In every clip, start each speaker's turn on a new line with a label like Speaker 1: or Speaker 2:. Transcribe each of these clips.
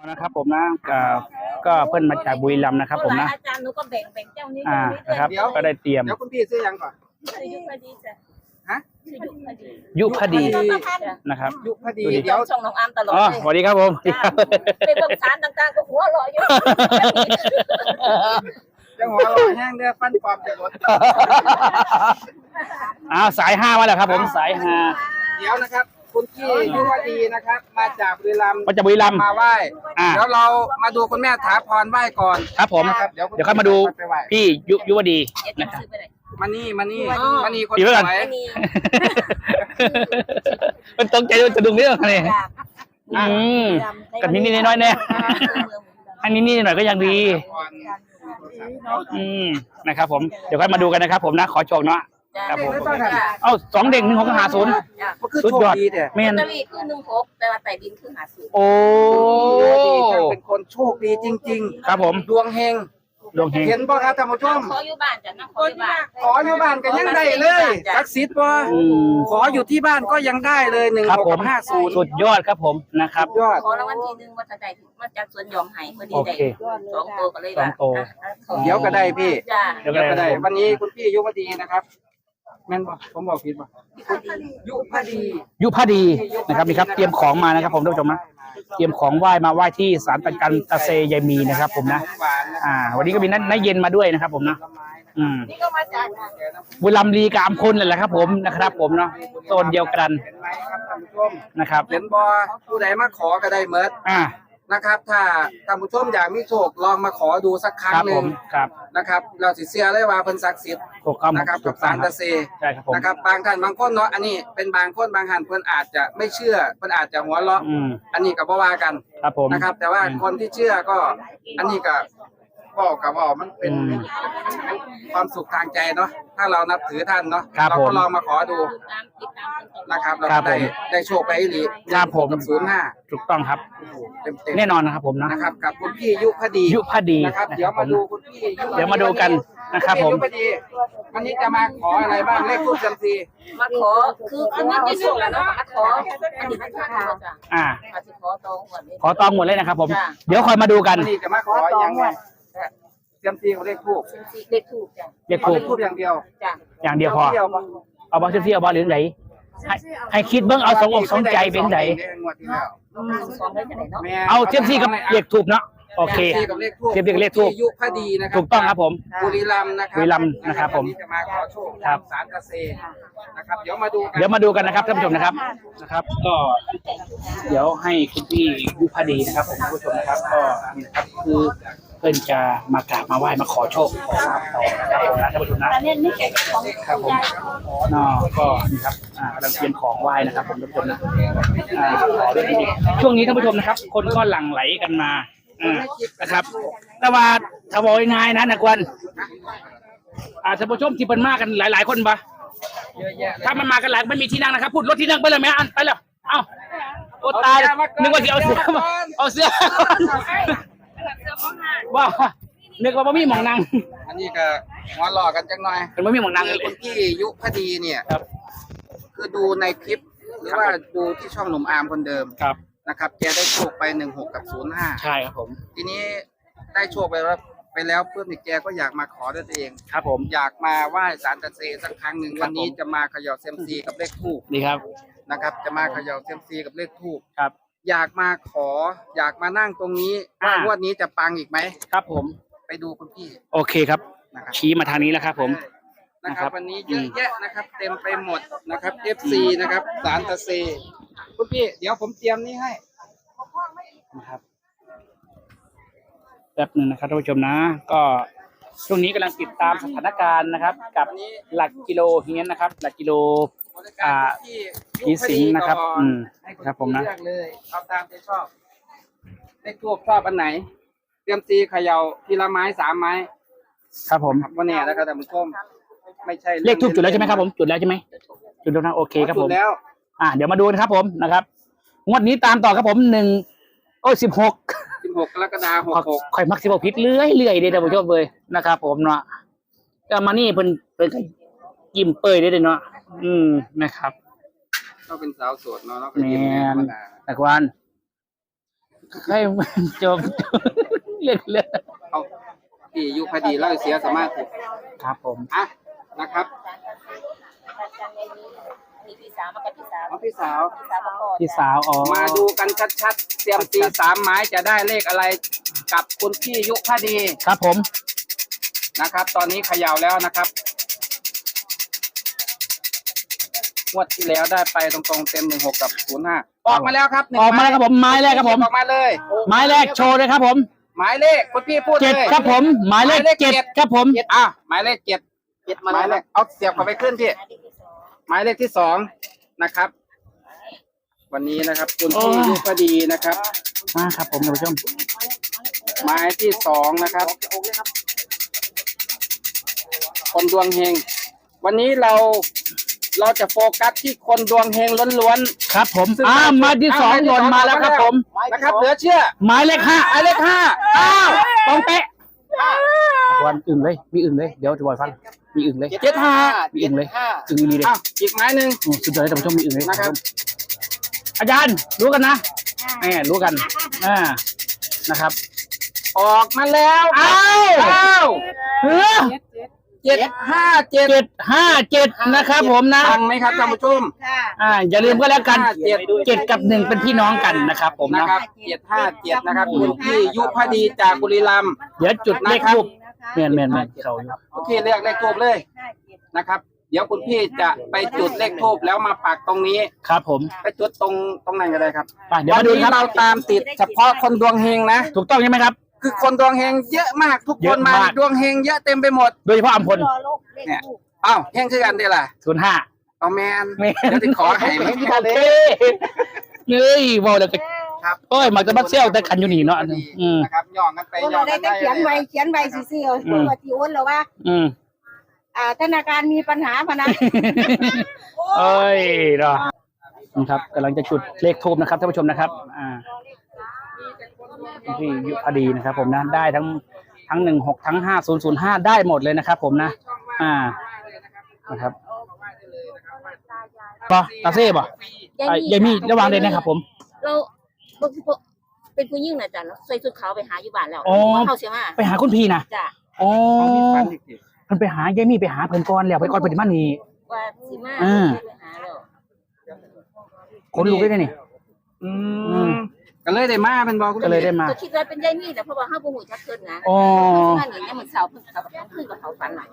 Speaker 1: นะครับผมนะก็เพิ่นมาจากบุรีรัมย์นะครับผมนะ
Speaker 2: อาจารย์หนูก็แบ่งเจ้านี้
Speaker 1: นะครับก็ได้เตรียม
Speaker 3: เดี๋ยวคุณพี่ซื้อยังก่อน
Speaker 2: ยุพดีจ้ะ
Speaker 3: ฮะ
Speaker 1: ยุพดีนะครับ
Speaker 3: ยุพดี
Speaker 2: เดี๋ยวช่องน้องอามตลอด
Speaker 1: สวัสดีครับผม
Speaker 2: ไปเบิ่งสารต่างๆก็หัวเราะอยู่
Speaker 3: ยังหัวเราแห้งเด้อฟันปลอมจะลด
Speaker 1: สาย5มาแล้วครับผมสาย5
Speaker 3: เดี๋ยวนะครับคุณพี่ยุพดีนะครับมาจากบุรีรัมย์มาไหว้เดี๋ยวเรามาดูคุณแม่ถาพรไหว้ก่อน
Speaker 1: ครับผมเดี๋ยวค่อยมาดูพี่ยุพดีนะครับ
Speaker 3: มานี่คนสวย
Speaker 1: มันตรงใจจะดึงเรื่องอะไรกับนิดน้อยๆเนี่ยอันนี้หน่อยก็ยังดีนะครับผมเดี๋ยวค่อยมาดูกันนะครับผมนะขอโชคเนาะครับผม2 เด้ง1 6 5 0สุดยอด
Speaker 3: แม่
Speaker 2: นคือ16แต่ว่าไต่ดินคือ50
Speaker 1: โอ้
Speaker 3: เป็นคนโชคดีจริง
Speaker 1: ๆครับผม
Speaker 3: ดวงเฮงเห็นป่ะครับท่านผู้ชม
Speaker 2: ขออยู่บ้านจ้ะนะขออยู่
Speaker 3: บ้านก็ยังได้เลยศักดิ์สิทธิ์ป่ะขออยู่ที่บ้านก็ยังได้เลย1650
Speaker 1: สุดยอดครับผมนะครับ
Speaker 3: ยอด
Speaker 2: ขอรางวัลที่1ว่าจะได้มาจากสวนยอมไห้พอดีได้2 ตัวก็เลยว่า
Speaker 3: เดี๋ยวก็ได้พี่
Speaker 2: เดี๋ยว
Speaker 3: ก็ได้วันนี้คุณพี่ยุพดีนะครับแม่นป่ะผมบอกผิดป่ะยุ
Speaker 1: พดีนะครับนี่ครับเตรียมของมานะครับผมท่านผู้ชมนะเตรียมของไหว้มาไหว้ที่ศาลตะกันตะเซยายมีนะครับผมนะวันนี้ก็มีน้าเย็นมาด้วยนะครับผมนะ
Speaker 2: นี่ก็มาจาก
Speaker 1: บุรีรัมย์ลีกามคนแหละครับผมนะครับผมเนาะโซนเดียวกันนะครับ
Speaker 3: เห็นบ่ผู้ใดมาขอก็ได้เมิดนะครับถ้าท่านผู้ชมอยากมีโชคลองมาขอดูสักครั้งหนึ่งนะครับเราสิเชื่อเลยว่าเพิ่นศักดิ์สิทธิ์นะครับกับศาลตะเซนะครับบางท่านบางคนเนาะอันนี้เป็นบางคนบางท่านเพิ่นอาจจะไม่เชื่อเพิ่นอาจจะหัวเราะอันนี้ก็บ่ว่ากันนะครับแต่ว่าคนที่เชื่อก็อันนี้ก็บอกกับว่ามันเป็นความสุขทางใจเนาะถ้าเรานับถือท่านเนาะเราก็ลองมาขอดูนะครับเราได้โชคไปอีหลี
Speaker 1: ครับผม
Speaker 3: กับ05
Speaker 1: ถูกต้องครับแน่นอนนะครับผม
Speaker 3: นะครับกับคุณพี่ยุพดีนะครับเดี๋ยวมาดูคุณพี่
Speaker 1: เดี๋ยวมาดูกันนะครับผม
Speaker 3: วันนี้จะมาขออะไรบ้างเลขทูปจำซี
Speaker 2: มาขอคือมันจะส่งแล้วเนาะมาขออันนี้มันขอจ้ะ
Speaker 1: ขอตองหมดเลยนะครับผมเดี๋ยวคอยมาดูกัน
Speaker 3: นี่จะมาขออย่างไงจำซีของเลขทูป
Speaker 2: จ้ะ
Speaker 3: เลขทูปอย่างเดียว
Speaker 2: จ้ะ
Speaker 1: อย่างเดียวพอเอาบอลเที่ยวบอลหรือไหนให้คิดเบิ้งเอา2 ใจเป็นไหนเอาเทียบซี่กับเลขทูบเนาะโอเคเทียบเลขทูบ
Speaker 3: ยุพดีนะครับ
Speaker 1: ถูกต้องครับผม
Speaker 3: บุรีรัมย์
Speaker 1: นะครับผม
Speaker 3: จะมาขอโชคครับศาลตะเซนะครับเดี๋ยวมา
Speaker 1: ดูกันนะครับท่านผู้ชมนะครับก็เดี๋ยวให้คุณพี่ยุพดีนะครับผมท่านผู้ชมนะครับก็นะครับคือเพื่อนจะมากราบมาไหว้มาขอโชคขอลาภต่อนะครับผมนะท่านผู้ชมนะครับผมก็นี่ครับกำลังเตรียมของไหว้นะครับผมท่านผู้ชมนะขอด้วยดีช่วงนี้ท่านผู้ชมนะครับคนก็หลั่งไหลกันมานะครับแต่ว่าถ้าบอกง่ายๆนะนักวันท่านผู้ชมที่เป็นมากกันหลายๆคนปะถ้ามันมากันหลายไม่มีที่นั่งนะครับพูดรถที่นั่งไปเลยไหมอันไปแล้วเอ้าโอ้ตายนึกว่าจะเอาเสื้อว้านึกว่าไม่มีหมองนั่ง
Speaker 3: อันนี้ก็หัวหล่อกันจังหน่อย
Speaker 1: เป็นไม่มีหมองนั่งเลย
Speaker 3: คุณพี่ยุพดีเนี่ยคือดูในคลิปหรือว่าดูที่ช่องหนุ่มอาร์มคนเดิมนะครับแกได้โชคไป16กับ05
Speaker 1: ใช่ครับผม
Speaker 3: ทีนี้ได้โชคไปแล้วเพื่อนแกก็อยากมาขอด้วยตัวเอง
Speaker 1: ครับผม
Speaker 3: อยากมาไหว้ศาลตะเซสักครั้งหนึ่งวันนี้จะมาเขย่าเซียมซีกับเลขทูป
Speaker 1: ดีครับ
Speaker 3: นะครับจะมาเขย่าเซียมซีกับเลขทูป
Speaker 1: ครับ
Speaker 3: อยากมาขออยากมานั่งตรงนี้ว่างวดนี้จะปังอีกไหม
Speaker 1: ครับผม
Speaker 3: ไปดูคุณพี่
Speaker 1: โอเคครับชี้มาทางนี้แล้วครับผม
Speaker 3: นะครับวันนี้เยอะแยะนะครับเต็มไปหมดนะครับ FC นะครับศาลตะเซคุณพี่เดี๋ยวผมเตรียมนี้ให้
Speaker 1: นะครับแป๊บนึงนะครับท่านผู้ชมนะก็ช่วงนี้กำลังติดตามสถานการณ์นะครับกับหลักกิโลเฮียนนะครับหลักกิโลที่สิงนะครับครับผมนะ
Speaker 3: เลยเอาตามที่ชอบเลขทูปชอบอันไหนเตรียมตีเขย่าทีละไม้3 ไม้
Speaker 1: ครับผม
Speaker 3: วันนี้นะครับท่านผู้ชมไม่ใช่
Speaker 1: เลขทูปจุดแล้วใช่ไหมครับผมจุดแล้วใช่ไหมจุดแล้วนะโอเคครับผม
Speaker 3: แล้ว
Speaker 1: เดี๋ยวมาดูนะครับผมนะครับงวดนี้ตามต่อครับผม16
Speaker 3: กรกฎาคม66
Speaker 1: ข่อยมัก16พิษเรื่อยๆเด้อท่านผู้ชมเลยนะครับผมเนาะก็มานี่เพิ่นยิ้มเปื่อยได้เนาะนะครับ
Speaker 3: ก็เป็นสาวโสดเนาะแล้วก็
Speaker 1: ยิ้มธรรมดาแต่วันให้จบเรื่อง
Speaker 3: เอาพี่ยุพดีเล่าเสียสมาธิ
Speaker 1: ครับผม
Speaker 3: อ่ะนะครับ
Speaker 2: มีพี่สาวมากับพี่สาว
Speaker 3: เอาพี่สาว
Speaker 2: พี่สาวมาก่อน
Speaker 1: พี่สาวอ๋อ
Speaker 3: มาดูกันชัดๆเตรียมตี3 ไม้จะได้เลขอะไรกับคุณพี่ยุพดี
Speaker 1: ครับผม
Speaker 3: นะครับ ตอนนี้เขย่าแล้วนะครับงวดที่แล้วได้ไปตรงๆเต็ม16กับ05ออกมาแล้วครับ
Speaker 1: ออกมาแล้วครับผมไม้แรกครับผม
Speaker 3: ออกมาเลย
Speaker 1: ไม้แรกโชว์เลยครับผม
Speaker 3: หมายเลขคุณพี่พูด
Speaker 1: เจ็ด
Speaker 3: เลย
Speaker 1: ครับผมหมายเลขเจ็ดครับผม
Speaker 3: อ่ะหมายเลข7หมายเลขเอาเสียบเข้าไปขึ้นพี่หมายเลขที่2นะครับ วันนี้นะครับคุณพี่ยุพดีนะครับ
Speaker 1: มาครับผมท่านผู้ชม
Speaker 3: หมายที่2นะครับ คนดวงเฮงวันนี้เราจะโฟกัสที่คนดวงเฮงล้วน
Speaker 1: ครับผมหมายที่สองหล่นมาแล้วครับผม
Speaker 3: ๆนะครับเหลือเชื่อ
Speaker 1: หมายเลข5
Speaker 3: หมายเลข5อ้าว
Speaker 1: ต้องเป๊ะวันอื่นเลยมีอื่นเลยเดี๋ยวจะบอกฟังมีอื่นเลย
Speaker 3: 75
Speaker 1: มีอื่นเลยอื่นมีเลย
Speaker 3: อ้าวอีกไม้หนึ่ง
Speaker 1: สุดยอดเลยท่านผู้ชมมีอื่นเลย
Speaker 3: นะครับ
Speaker 1: อาจารย์รู้กันนะรู้กันนะครับ
Speaker 3: ออกมาแล้ว
Speaker 1: อ้าว
Speaker 3: อ้าว
Speaker 1: เฮ้อ
Speaker 3: 757
Speaker 1: นะครับผมนะ
Speaker 3: ฟังไหมครับท่านผู้ชม
Speaker 1: อย่าลืมก็แล้วกัน
Speaker 3: 7
Speaker 1: 7 กับ 1เป็นพี่น้องกันนะครับผม
Speaker 3: นะ
Speaker 1: นะครับ
Speaker 3: 757นะครับคุณพี่ยุพดีจากบุรีรัมย์
Speaker 1: เดี๋ยวจุดเลขทูบแม่นเขาอยู่
Speaker 3: คุณพี่เรียกเลขทูบเลยนะครับ เดี๋ยวคุณพี่จะไปจุดเลขทูบแล้วมาปักตรงนี้
Speaker 1: ครับผม
Speaker 3: ไปจุดตรงไหนก็ได้ครับ
Speaker 1: ไปเดี๋ยว
Speaker 3: วั
Speaker 1: มาน ดู
Speaker 3: นี้
Speaker 1: ครับ
Speaker 3: เราตามติดเฉพาะคนดวงเฮงนะ
Speaker 1: ถูกต้องใช่ไหมครับ
Speaker 3: คือคนดวงเฮงเยอะมากทุก
Speaker 1: เย
Speaker 3: ค
Speaker 1: อะ
Speaker 3: นมาม
Speaker 1: าก
Speaker 3: ดวงเฮงเยอะเต็มไปหมด
Speaker 1: โดยเฉพาะอัมพล
Speaker 3: เนี่ยอ้าวเฮงคือกันได้ล่ะ
Speaker 1: 05
Speaker 3: เอาแมน
Speaker 1: แม่น
Speaker 3: เดี๋ยวจะขอให้ไม่
Speaker 1: โอเคเฮ้ยบอกเลย
Speaker 3: ครับ
Speaker 1: โอ้ยมักจะมาเซี่ยวแต่กันอยู่นี่เนาะอืม
Speaker 3: นะครับย่องกันไปย่
Speaker 2: เรา
Speaker 3: อง
Speaker 2: ได้
Speaker 3: กัน
Speaker 2: แต่
Speaker 3: ได้
Speaker 2: เขียนใบซื่อๆตัวที่โอนแล้วว่า
Speaker 1: อืม
Speaker 2: ธนาคารมีปัญหาพะนะ
Speaker 1: เอ้ยเนาะนะครับกำลังจะจุดเลขทูบนะครับท่านผู้ชมนะครับที่ยุพดีนะครับ ผมนะได้ทั้ง16ทั้ง5005ได้หมดเลยนะครับผมนะนะครับป่ะตาเซ่ป่ะยายมี่ระวังเลยนะครับผม
Speaker 2: เราเป็นผู้ยิ่งนะจ๊ะใส่ชุดขาวไปหาอยู่บ้านแล้วเข้าเสียมา
Speaker 1: ไปหาคุณพี่นะ
Speaker 2: จ้ะ
Speaker 1: อ๋อเพิ่นไปหายายมี่ไปหาเพิ่นก่อนแล้วไปก่อนเพิ่นสิมานี่
Speaker 2: ว่าสิมาไปหาแล้ว
Speaker 1: คนลูกได้นี่
Speaker 3: ก็เลยได้มาเป็นบอก
Speaker 1: ก็เลยได้มา
Speaker 2: ก็คิดว่าเป็นยายมี่แต่เพราะว่าห้าบุหูจักเกินนะ
Speaker 1: อ๋อ
Speaker 2: มาหนึ่งเนี่ยเหมือนเสาเพิ่งเขาแบบขึ้นกับเขาฝันหน่อย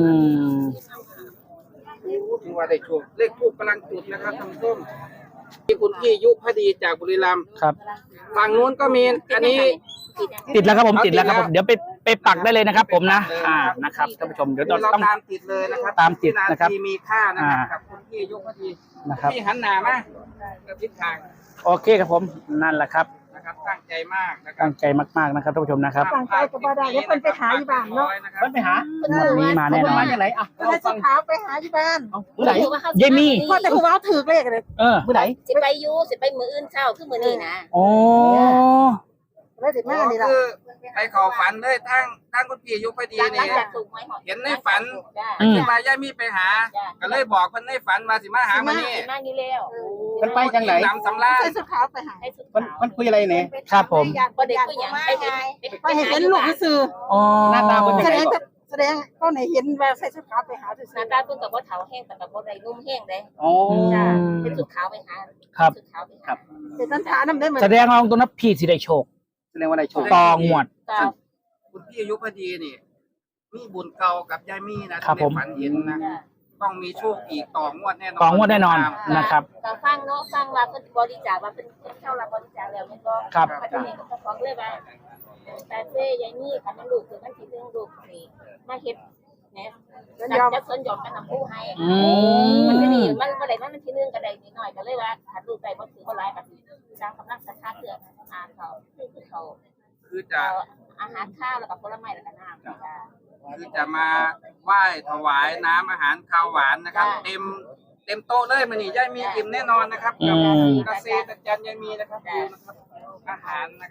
Speaker 3: ถือว่าได้ช่วงเลขทูบกำลังจุดนะครับท่านผู้ชมที่คุณพี่ยุพดีจากบุรีรัมย์
Speaker 1: ครับ
Speaker 3: ฝั่งนู้นก็มีอันนี้
Speaker 1: ติดแล้วครับผมติดแล้วครับผมเดี๋ยวไปปักได้เลยนะครับ ผมนะนะครับท่านผู้ชมเดี๋ยว
Speaker 3: เรา
Speaker 1: ต้อง
Speaker 3: ตามติดเลยนะครับ
Speaker 1: ตามติดนะครับ
Speaker 3: วิาทีมีค่านะครับกับคุณพี่ยุพดี
Speaker 1: นะครับ
Speaker 3: พี่หันหน้ามากระทิศทาง
Speaker 1: โอเคครับผมนั่นแหละครับ
Speaker 3: นะครับตั้งใจมากนะครั
Speaker 1: ตั้
Speaker 3: บ
Speaker 1: งใจมากๆนะครับท่านผู้ชมนะครับ
Speaker 2: ตั้งใจก็บ่ได้เดี๋ยวเพิ่นไปหาอยู่บ้านเนาะ
Speaker 3: เพิ่นไปหา
Speaker 1: วันนี้มาแน่นอน
Speaker 3: มาจากไหนอ่ะ
Speaker 2: เราชุดขาวไปหาอยู่บ้าน
Speaker 3: เมื่อไหร่
Speaker 1: ยายมี่
Speaker 2: พ่อแต่ผู้ว่าถือเลขเลย
Speaker 3: เมื่อไหร่
Speaker 2: สิไปอยู่สิไปมื้ออื่นเช้าคือมื้อนี้นะ
Speaker 1: โอ้
Speaker 2: แล้วสิมานี่ล่ะ
Speaker 3: คือไปขอฝันเลยทั้งคุณพี่ยุพดี
Speaker 2: หลั
Speaker 3: นี่
Speaker 2: งจากถูกหวยหอด
Speaker 3: เห็นในฝัน
Speaker 2: จ้ะ
Speaker 3: ที่มาย่ามีไปหา ก็เลยบอกคนในฝันมาสิมาหามานี่
Speaker 2: มานี่แล้ว
Speaker 3: มันไปจังไหนนำสำราญ
Speaker 2: ใส่ชุดขาวไปหาให้ชุดขาว
Speaker 3: มันคุยอะไรเนี่ย
Speaker 1: ครับผม
Speaker 2: บ่ได้คุยหยังไปเห็นลูกซื่อ
Speaker 1: อ๋อ
Speaker 3: หน้าตาเป็นยังไง
Speaker 2: แสดงก็ไหนเห็นว่าใส่ชุดขาวไปหาซื่อหน้าตาเพิ่นก็บ่เฒ่าแห้งแต่ก็บ่ได้นุ่มแห้งเด้
Speaker 3: โอ้
Speaker 2: จ้ะเป็นชุดขาวไปหา
Speaker 1: ครับ
Speaker 2: ชุดขาวไปหาเป็นตันทานำได้เหมือน
Speaker 1: แสดงว่าตรงนั้นพี่สิได้โชค
Speaker 3: แสดงว่าอะไรโชว์
Speaker 1: ตองหมวด
Speaker 2: จ้ะ
Speaker 3: คุณพี่ยุพดีนี่มีบุญเก่ากับยายมี่นะครับ
Speaker 1: ผม
Speaker 3: ในฝันเห็นนะต้องมีโชคอีกต่องวดแน่นอน
Speaker 1: ตองหมวดแน่นอนนะครับ
Speaker 2: ก็ฟังเนาะฟังว่าเพิ่นบริจาคว่าเพิ่นเข้ารับบริจาคแล้วมันก็
Speaker 1: ครับ
Speaker 2: พัฒนาก็ฟ้องเลยว่าแต่เซ่ยายนี่คันมันลูกคือมันสิเรื่องลูกนี่มาเฮ็ดแหน่จะสนยอมกันนำผู้ให้ มันจะดีมันบ่ได้มันทีนึงก็ได้นิดหน่อยก็เลยว่าถ้าลูกได้บ่ถือบ่หลายก็สร้างกำลังศรัทธาเพื่ออาเขาคือเขา
Speaker 3: คือจะ
Speaker 2: อาหารข้าวแล้วก็ผลไม้แล้วก็น้ำจ้ะ
Speaker 3: คือจะมาไหว้ถวายน้ำอาหารข้าวหวานนะครับ
Speaker 2: จ้ะ
Speaker 3: เต็มโต๊ะเลยมันนี่ยายมีอิ่มแน่นอนนะครับกับเกษตรจันยายมีนะครับดูนะครับอาหารนะครับ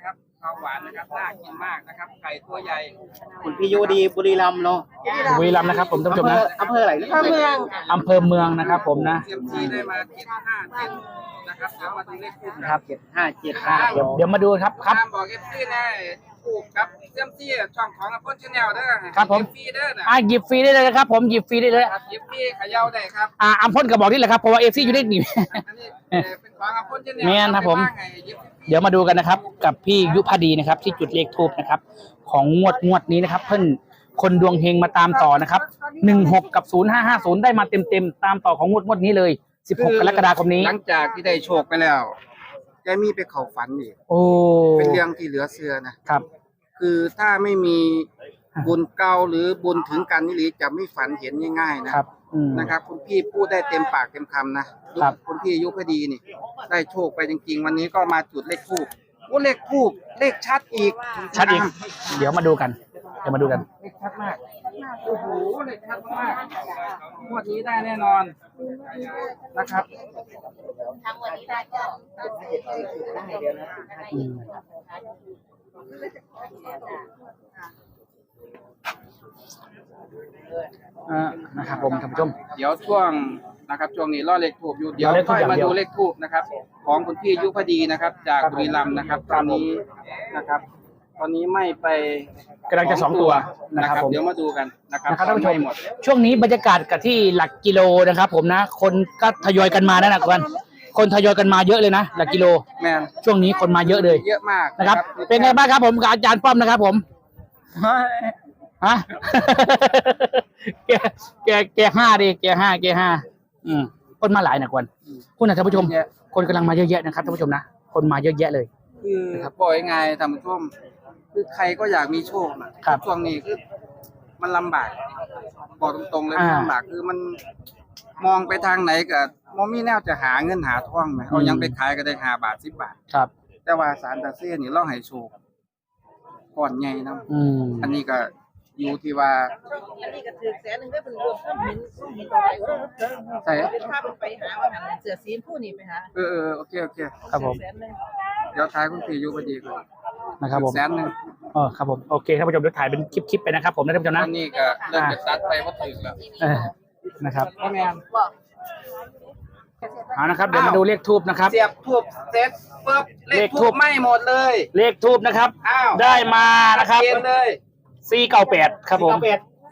Speaker 3: ข้าวหวานนะครับน่ากินมากนะครับไก่ตัวใหญ่
Speaker 4: คุณพี่ยูดีบุรีรัมย์เนาะ
Speaker 1: บุรีรัมย์นะครับผมท่านผู้ชมนะ
Speaker 4: อำเภออะไรนะ
Speaker 2: เมือง
Speaker 1: อำเภอเมืองนะครับผมนะ
Speaker 3: เซียมซีได้มา757นะครับเดี๋ยวมาดูเลขคู่
Speaker 1: นะ
Speaker 3: ค
Speaker 1: ค
Speaker 3: รั
Speaker 1: รั
Speaker 3: บบ
Speaker 1: เดี๋ยวมาดูครับครับ
Speaker 3: ตามบอกเอฟซีได้ถูกครับเซียมซีช่องของอัพพลชาแนลเด้อ
Speaker 1: ครับผม
Speaker 3: เอฟซีเด้อนะ
Speaker 1: หยิบฟรีได้เลยนะครับผมหยิบฟรีได้เลย
Speaker 3: ครับเอฟซีเขย่าได้ครับ
Speaker 1: อัมพลก็บอกนี่แหละครับเพราะว่าเอฟซีอยู่ได้หนี
Speaker 3: อันนี้เป็นของอัพพลชาแนล
Speaker 1: แม่นครับผม เดี๋ยวมาดูกันนะครับ กับพี่ยุพดีนะครับ ที่จุดเลขทูบนะครับ ของงวดนี้นะครับ เพิ่นคนดวงเฮงมาตามต่อนะครับ16กับ0550ได้มาเต็มตามต่อของงวดนี้เลย16กรกฎาคมนี้
Speaker 3: หลังจากที่ได้โชคไปแล้วแกมีไปเข้าฝันอีก
Speaker 1: โอ้
Speaker 3: เป็นเรื่องที่เหลือเชื่อนะครับ คือถ้าไม่มีบุญเก่าหรือบุญถึงกันนี่หรือจะไม่ฝันเห็นง่ายๆนะครับ นะครับคุณพี่พูดได้เต็มปากเต็มคำนะครับ คุณพี่ยุพดีนี่ ได้โชคไปจริงๆ วันนี้ก็มาจุดเลขทูบเลขทูบเลขชัดอีก
Speaker 1: ชัดอีก เดี๋ยวมาดูกัน
Speaker 3: เลขชัดมากโอ้โหเลขชัดมากงวดนี้ได้แน่นอนนะครับ
Speaker 2: ทางวันนี้ได้ก็
Speaker 1: อืมนะครับผมท่านผู้ชม
Speaker 3: เดี๋ยวช่วงนะครับช่วงนี้ล่อเลขทูบอยู่เดี๋ยว
Speaker 1: รอเลขธู
Speaker 3: ค่
Speaker 1: ป
Speaker 3: อยมา
Speaker 1: อย่างเดียว
Speaker 3: ดูเลขทูบนะครับ ของคุณพี่ยุพดีนะครับ จาก
Speaker 1: ครับ
Speaker 3: บุรีรัมย์นะครับ ตอนนี้นะครับ ตอนนี้ไม่ไป
Speaker 1: กำลังจะ2 ตัวนะครับผม
Speaker 3: เดี๋ยวมาดูกันนะครับ
Speaker 1: นะครับท่านผู้ชม
Speaker 3: ไม่หมด
Speaker 1: ช่วงนี้บรรยากาศกับที่หลักกิโลนะครับ ผมนะ คนก็ทยอยกันมานะกันคนทยอยกันมาเยอะเลยนะหลักกิโล
Speaker 3: แม่น
Speaker 1: ช่วงนี้คนมาเยอะเลย
Speaker 3: เยอะมาก
Speaker 1: นะครับ เป็นไงบ้างครับผมกับอาจารย์ป้อมนะครับ ผมฮะ แกห้าดิแกห้าคนมาหลายนะกวนคุณท่านผู้ชม คนกำลังมาเยอะแยะนะครับท่านผู้ชมนะคนมาเยอะแยะเลย
Speaker 3: คือปล่อยไงท่านผู้ชมคือใครก็อยากมีโชคนะครับ ช่วงนี้คือมันลำบากบอกตรงๆเลยมันลำบากคือมันมองไปทางไหนก็มองมีแนวจะหาเงินหาทองไหมเอายังไปขายก็ได้5 บาท10 บาท
Speaker 1: ครับ
Speaker 3: แต่ว่าสารตาเซ่นี่เราให้โชคก่อนใหญ่นะ อันนี้ก็อยู่ที่ว่า
Speaker 5: อันนี้ก็ถือ100,000ได้เป็นรวมข้อมินอะไร
Speaker 3: ใช่
Speaker 5: เป็นภาพไปหาว่าหันเสือซีนผู้นี้ไปหา
Speaker 3: โอเค
Speaker 1: ครับผม
Speaker 5: 100,000เลย
Speaker 3: เดี๋ยวท้ายคุณพี่อยู่พอดีก่อน
Speaker 1: นะครับผม
Speaker 3: 100,000
Speaker 1: ครับผมโอเคท่านผู้ชมเดี๋ยวถ่ายเป็นคลิปไปนะครับผมนะท่านผู้ชม
Speaker 3: ต
Speaker 1: นะ
Speaker 3: อนนี้ก็เริ่มจะตัดไปว่าถึงแล้ว
Speaker 1: นะครับ
Speaker 3: พ่อแม่น
Speaker 1: เอานะครับเดี๋ยวมาดูเลขทูบนะครับ
Speaker 3: เสียบทูบเสร็จปุ๊บเลข
Speaker 1: เลขธู
Speaker 3: ทู
Speaker 1: ป
Speaker 3: บไหม้หมดเลย
Speaker 1: เลขทูบนะครับ
Speaker 3: อ้าว
Speaker 1: ได้มานะครับ
Speaker 3: เขียนเลย
Speaker 1: 498ครับผม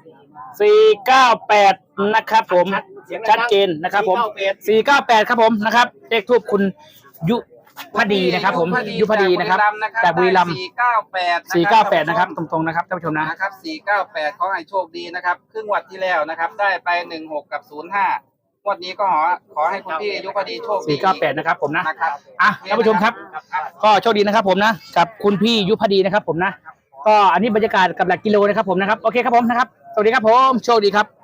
Speaker 1: 498นะครับผมชัดเจนนะครับผม498ครับผมนะครับเลขทูบคุณยุพดีนะครับผมยุพดีนะครับจากบุรีรัมย์498นะครับตรงๆนะครับท่านผู้ชมนะ
Speaker 3: นะครับ498ขอให้โชคดีนะครับครึ่งวัดที่แล้วนะครับ ได้ไป16กับ05งวดนี้ก็ขอให้คุณพี่ยุพดีโชคดี
Speaker 1: 498นะครับผมนะ
Speaker 3: นะครับ
Speaker 1: ท่านผู้ชมครับก็โชคดีนะครับผมนะกับคุณพี่ยุพดีนะครับผมนะก็อันนี้บรรยากาศกับหลักกิโลนะครับผมนะครับโอเคครับผมนะครับสวัสดีครับผมโชคดีครับ